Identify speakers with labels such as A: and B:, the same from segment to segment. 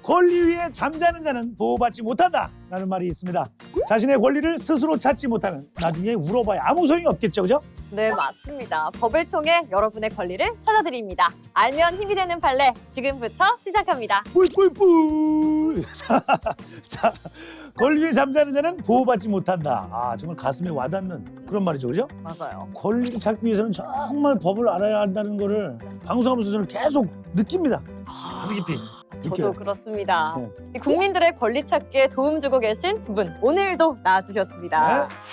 A: 권리 위에 잠자는 자는 보호받지 못한다 라는 말이 있습니다. 자신의 권리를 스스로 찾지 못하면 나중에 울어봐야 아무 소용이 없겠죠, 그죠?
B: 네, 맞습니다. 법을 통해 여러분의 권리를 찾아드립니다. 알면 힘이 되는 판례, 지금부터 시작합니다.
A: 뿔뿔뿔. 자, 권리 위에 잠자는 자는 보호받지 못한다. 아, 정말 가슴에 와닿는 그런 말이죠, 그죠?
B: 맞아요.
A: 권리를 찾기 위해서는 정말 법을 알아야 한다는 거를 방송하면서 저는 계속 느낍니다. 가슴 깊이
B: 저도
A: 느껴요.
B: 그렇습니다.
A: 네.
B: 이 국민들의 권리 찾기에 도움 주고 계신 두 분, 오늘도 나와주셨습니다.
A: 네.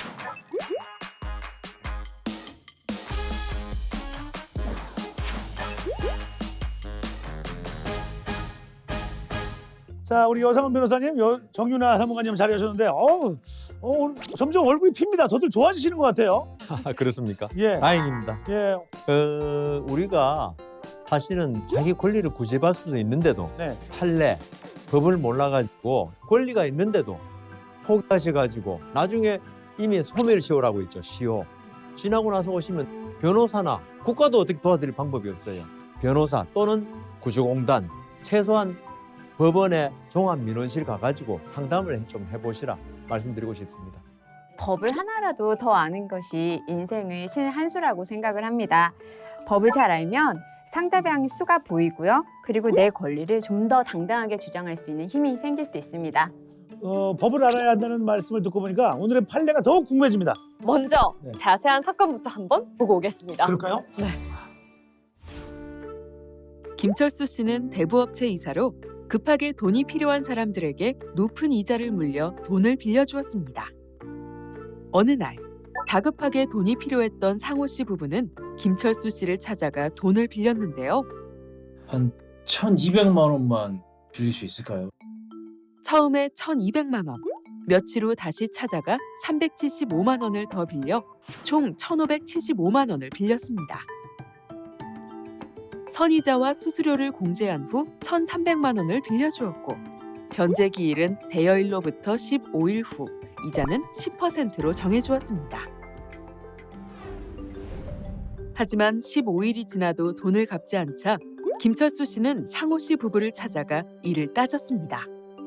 A: 자, 우리 여상은 변호사님, 정윤아 사무관님 자리하셨는데, 오늘 점점 얼굴이 핍니다. 더들 좋아지시는 것 같아요.
C: 아, 그렇습니까?
A: 예,
C: 다행입니다.
A: 예,
C: 우리가 사실은 자기 권리를 구제받을 수도 있는데도
A: 네,
C: 판례, 법을 몰라가지고 권리가 있는데도 포기하셔가지고 나중에 이미 소멸시효라고 있죠. 시효. 지나고 나서 오시면 변호사나 국가도 어떻게 도와드릴 방법이 없어요. 변호사 또는 구조공단, 최소한 법원에 종합민원실 가가지고 상담을 좀 해보시라 말씀드리고 싶습니다.
D: 법을 하나라도 더 아는 것이 인생의 신의 한 수라고 생각을 합니다. 법을 잘 알면 상대방의 수가 보이고요. 그리고 내 권리를 좀 더 당당하게 주장할 수 있는 힘이 생길 수 있습니다.
A: 법을 알아야 한다는 말씀을 듣고 보니까 오늘의 판례가 더욱 궁금해집니다.
B: 먼저
A: 네.
B: 자세한 사건부터 한번 보고 오겠습니다.
A: 그럴까요?
E: 김철수 씨는 대부업체 이사로 급하게 돈이 필요한 사람들에게 높은 이자를 물려 돈을 빌려주었습니다. 어느 날 다급하게 돈이 필요했던 상호 씨 부부는 김철수 씨를 찾아가 돈을 빌렸는데요.
F: 한 1,200만 원만 빌릴 수 있을까요?
E: 처음에 1,200만 원, 며칠 후 다시 찾아가 375만 원을 더 빌려 총 1,575만 원을 빌렸습니다. 선이자와 수수료를 공제한 후 1,300만 원을 빌려주었고 변제 기일은 대여일로부터 15일 후, 이자는 10%로 정해주었습니다. 하지만 15일이 지나도 돈을 갚지 않자 김철수 씨는 상호 씨 부부를 찾아가 이를 따졌습니다.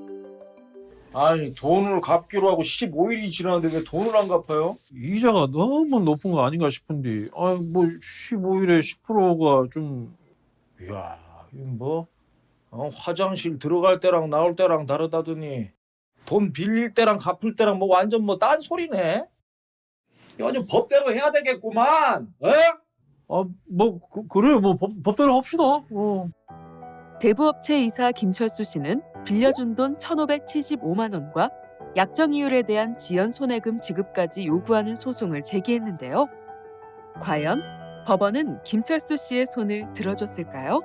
G: 아니 돈을 갚기로 하고 15일이 지났는데 왜 돈을 안 갚아요?
F: 이자가 너무 높은 거 아닌가 싶은데 뭐 15일에 10%가 좀
G: 이야 이거 뭐 화장실 들어갈 때랑 나올 때랑 다르다더니 돈 빌릴 때랑 갚을 때랑 뭐 완전 뭐 딴소리네. 이거 완전 법대로 해야 되겠구만.
F: 그래요. 뭐 법대로 합시다.
E: 대부업체 이사 김철수 씨는 빌려준 돈 1,575만 원과 약정 이율에 대한 지연 손해금 지급까지 요구하는 소송을 제기했는데요. 과연 법원은 김철수 씨의 손을 들어줬을까요?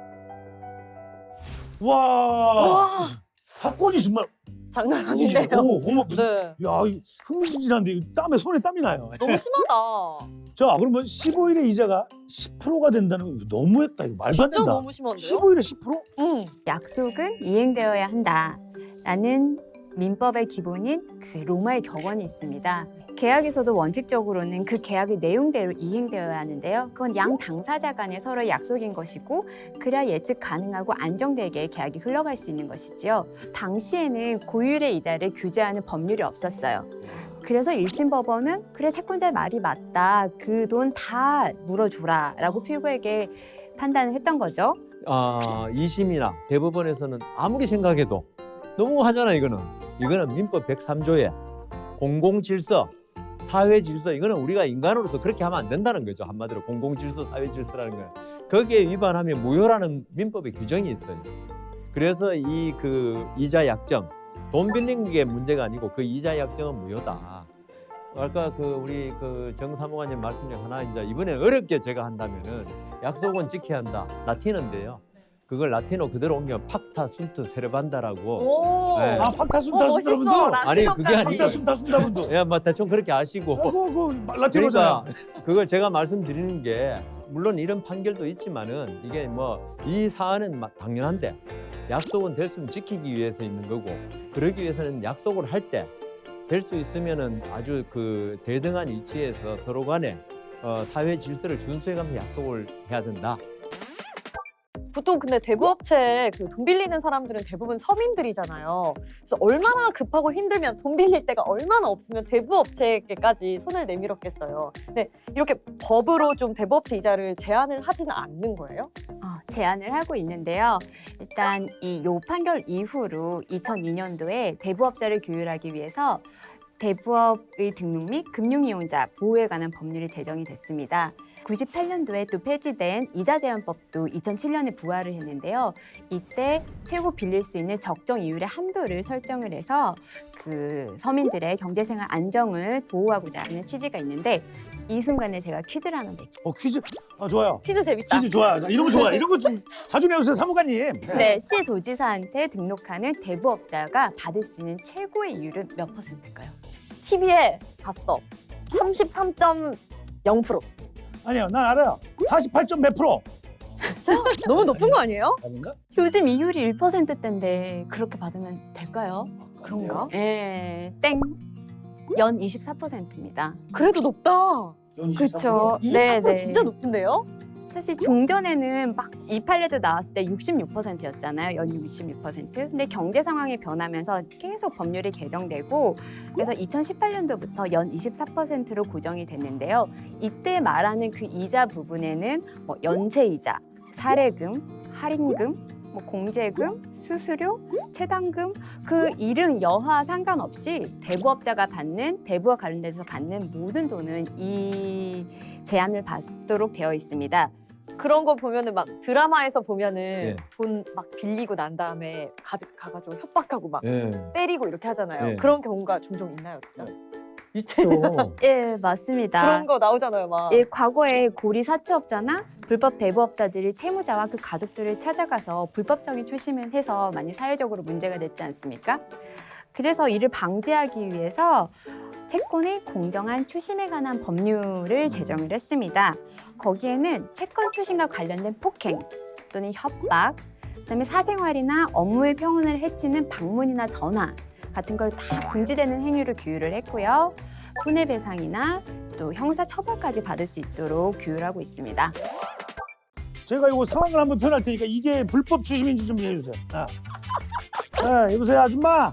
A: 와, 사건이 정말
B: 장난 아닌데요.
A: 어머, 무슨,
B: 네.
A: 야, 이 흥미진진한데 이거 손에 땀이 나요.
B: 너무 심하다.
A: 자, 그러면 15일에 이자가 10%가 된다는 거 너무했다. 이거 말도 안
B: 진짜
A: 된다.
B: 너무 심한데요?
A: 15일에 10%?
B: 응.
D: 약속은 이행되어야 한다라는 민법의 기본인 그 로마의 격언이 있습니다. 계약에서도 원칙적으로는 그 계약의 내용대로 이행되어야 하는데요. 그건 양 당사자 간의 서로의 약속인 것이고 그래야 예측 가능하고 안정되게 계약이 흘러갈 수 있는 것이지요. 당시에는 고율의 이자를 규제하는 법률이 없었어요. 그래서 1심 법원은 그래 채권자의 말이 맞다. 그 돈 다 물어줘라 라고 필구에게 판단을 했던 거죠.
C: 2심이나 대법원에서는 아무리 생각해도 너무 하잖아. 이거는 민법 103조에 공공질서, 사회질서, 이거는 우리가 인간으로서 그렇게 하면 안 된다는 거죠. 한마디로 공공질서, 사회질서라는 거예요. 거기에 위반하면 무효라는 민법의 규정이 있어요. 그래서 그 이자 약정, 돈 빌린 게 문제가 아니고 그 이자 약정은 무효다. 아까 우리 정 사무관님 말씀 중 하나, 이제 이번에 어렵게 제가 한다면은 약속은 지켜야 한다. 라틴어인데요. 그걸 라틴어 그대로 옮기면 팍타 순트 세르반다라고.
B: 오.
C: 네.
A: 팍타순타
B: 멋있어.
A: 순다분도.
C: 아니, 그게 아니고.
A: 팍타순타 순다분도.
C: 예, 뭐 대충 그렇게 아시고.
A: 그거 라틴어잖아.
C: 그러니까 그걸 제가 말씀드리는 게 물론 이런 판결도 있지만은 이게 뭐 이 사안은 당연한데 약속은 될 수 있으면 지키기 위해서 있는 거고, 그러기 위해서는 약속을 할 때 될 수 있으면은 아주 대등한 위치에서 서로 간에 사회 질서를 준수해가면서 약속을 해야 된다.
B: 보통 근데 대부업체 그 돈 빌리는 사람들은 대부분 서민들이잖아요. 그래서 얼마나 급하고 힘들면 돈 빌릴 데가 얼마나 없으면 대부업체에게까지 손을 내밀었겠어요. 근데 이렇게 법으로 좀 대부업체 이자를 제한을 하지는 않는 거예요?
D: 제안을 하고 있는데요. 일단 요 판결 이후로 2002년도에 대부업자를 규율하기 위해서 대부업의 등록 및 금융이용자 보호에 관한 법률이 제정이 됐습니다. 98년도에 또 폐지된 이자제한법도 2007년에 부활을 했는데요. 이때 최고 빌릴 수 있는 적정 이율의 한도를 설정을 해서 그 서민들의 경제생활 안정을 보호하고자 하는 취지가 있는데 이 순간에 제가 퀴즈를 하나 낼게요.
A: 퀴즈. 좋아요.
B: 퀴즈 재밌다.
A: 퀴즈 좋아요. 자, 이런 거 좋아요. 이런 거 좀 자주 내주세요, 사무관님.
D: 네, 시도지사한테 등록하는 대부업자가 받을 수 있는 최고의 이율은 몇 %일까요?
B: TV에 봤어. 33.0%.
A: 아니요, 난 알아요. 48점 몇 프로.
B: 너무 높은 거 아니에요?
A: 아닌가?
D: 요즘 이율이 1%대인데 그렇게 받으면 될까요?
B: 그런가?
D: 네, 땡. 연 24%입니다.
B: 그래도 높다.
D: 그렇죠.
B: 24% 진짜 높은데요?
D: 사실 종전에는 막 이 판례도 나왔을 때 66%였잖아요. 연율 66%. 근데 경제 상황이 변하면서 계속 법률이 개정되고 그래서 2018년도부터 연 24%로 고정이 됐는데요. 이때 말하는 그 이자 부분에는 뭐 연체이자, 사례금, 할인금, 뭐 공제금, 수수료, 채당금 그 이름 여하 상관없이 대부업자가 받는 대부와 관련돼서 받는 모든 돈은 이 제한을 받도록 되어 있습니다.
B: 그런 거 보면은 막 드라마에서 보면은
C: 예.
B: 돈 막 빌리고 난 다음에 가가지고 협박하고 막
C: 예.
B: 때리고 이렇게 하잖아요.
C: 예.
B: 그런 경우가 종종 있나요, 진짜?
C: 있죠.
D: 예, 맞습니다.
B: 그런 거 나오잖아요, 막.
D: 예, 과거에 고리 사채업자나 불법 대부업자들이 채무자와 그 가족들을 찾아가서 불법적인 추심을 해서 많이 사회적으로 문제가 됐지 않습니까? 그래서 이를 방지하기 위해서 채권의 공정한 추심에 관한 법률을 제정을 했습니다. 거기에는 채권 추심과 관련된 폭행 또는 협박, 그다음에 사생활이나 업무의 평온을 해치는 방문이나 전화 같은 걸 다 금지되는 행위를 규율을 했고요. 손해배상이나 또 형사처벌까지 받을 수 있도록 규율하고 있습니다.
A: 제가 이거 상황을 한번 표현할 테니까 이게 불법 추심인지 좀 얘기해 주세요. 여보세요, 아줌마.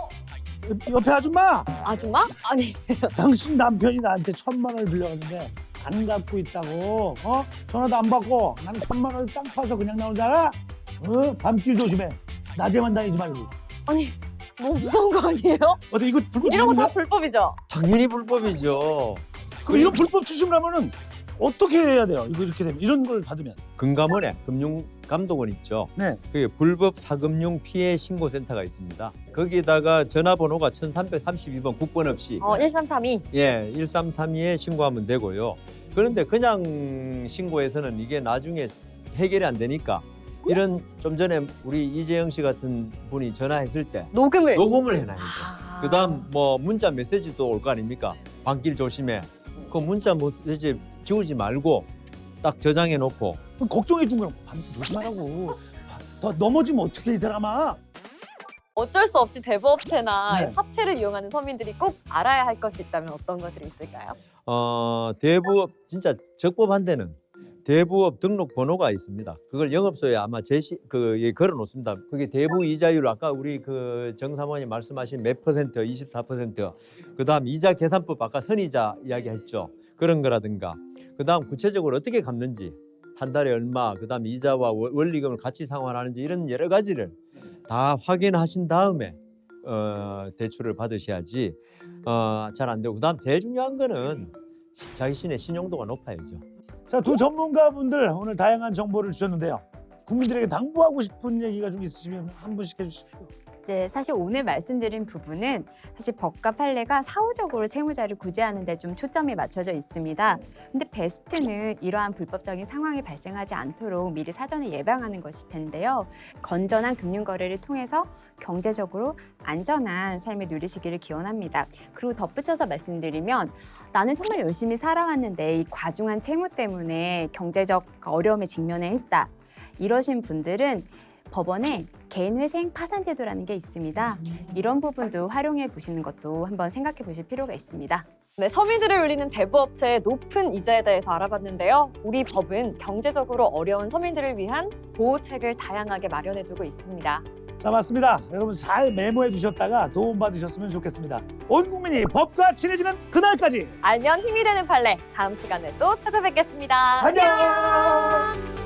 A: 옆에 아줌마.
B: 아줌마? 아니,
A: 당신 남편이 나한테 1,000만 원을 빌려갔는데 안 갖고 있다고. 전화도 안 받고 나는 1,000만 원을 땅 파서 그냥 나온 줄 알아? 밤길 조심해. 낮에만 다니지 말고.
B: 아니, 너무 무서운 거 아니에요?
A: 어때 이거 불법
B: 이런 거 다
A: 추심인가?
B: 불법이죠?
C: 당연히 불법이죠.
A: 그럼 이런 불법 추심을 하면은 어떻게 해야 돼요? 이거 이렇게 되면 이런 걸 받으면.
C: 금감원에 금융감독원 있죠.
A: 네.
C: 그게 불법 사금융 피해 신고센터가 있습니다. 거기다가 전화번호가 1332번 국번 없이
B: 1332.
C: 1332에 신고하면 되고요. 그런데 그냥 신고해서는 이게 나중에 해결이 안 되니까 이런 좀 전에 우리 이재영 씨 같은 분이 전화했을 때
B: 녹음을.
C: 녹음을 해놔야죠.
B: 아.
C: 그다음 뭐 문자 메시지도 올 거 아닙니까? 밤길 조심해. 그 문자 메시지 지우지 말고 딱 저장해 놓고
A: 그럼 걱정해 준 거야. 조심하라고. 더 넘어지면 어떻게 이 사람아?
B: 어쩔 수 없이 대부업체나
A: 네.
B: 사채를 이용하는 서민들이 꼭 알아야 할 것이 있다면 어떤 것들이 있을까요?
C: 대부업 진짜 적법한 데는 대부업 등록 번호가 있습니다. 그걸 영업소에 아마 걸어 놓습니다. 그게 대부 이자율 아까 우리 그 정 사모님 말씀하신 몇 퍼센트, 24%. 그다음 이자 계산법 아까 선이자 이야기했죠. 그런 거라든가. 그다음 구체적으로 어떻게 갚는지 한 달에 얼마, 그다음 이자와 원리금을 같이 상환하는지 이런 여러 가지를 다 확인하신 다음에 대출을 받으셔야지 잘 안 되고. 그다음 제일 중요한 거는 자신의 신용도가 높아야죠.
A: 자, 두 전문가분들 오늘 다양한 정보를 주셨는데요. 국민들에게 당부하고 싶은 얘기가 좀 있으시면 한 분씩 해주십시오.
D: 네, 사실 오늘 말씀드린 부분은 사실 법과 판례가 사후적으로 채무자를 구제하는 데 좀 초점이 맞춰져 있습니다. 근데 베스트는 이러한 불법적인 상황이 발생하지 않도록 미리 사전에 예방하는 것일 텐데요. 건전한 금융 거래를 통해서 경제적으로 안전한 삶을 누리시기를 기원합니다. 그리고 덧붙여서 말씀드리면 나는 정말 열심히 살아왔는데 이 과중한 채무 때문에 경제적 어려움에 직면해 있다. 이러신 분들은 법원에 개인회생 파산제도라는 게 있습니다. 이런 부분도 활용해 보시는 것도 한번 생각해 보실 필요가 있습니다.
B: 네, 서민들을 울리는 대부업체의 높은 이자에 대해서 알아봤는데요. 우리 법은 경제적으로 어려운 서민들을 위한 보호책을 다양하게 마련해두고 있습니다.
A: 자, 맞습니다. 여러분 잘 메모해 두셨다가 도움받으셨으면 좋겠습니다. 온 국민이 법과 친해지는 그날까지
B: 알면 힘이 되는 판례. 다음 시간에 또 찾아뵙겠습니다.
A: 안녕.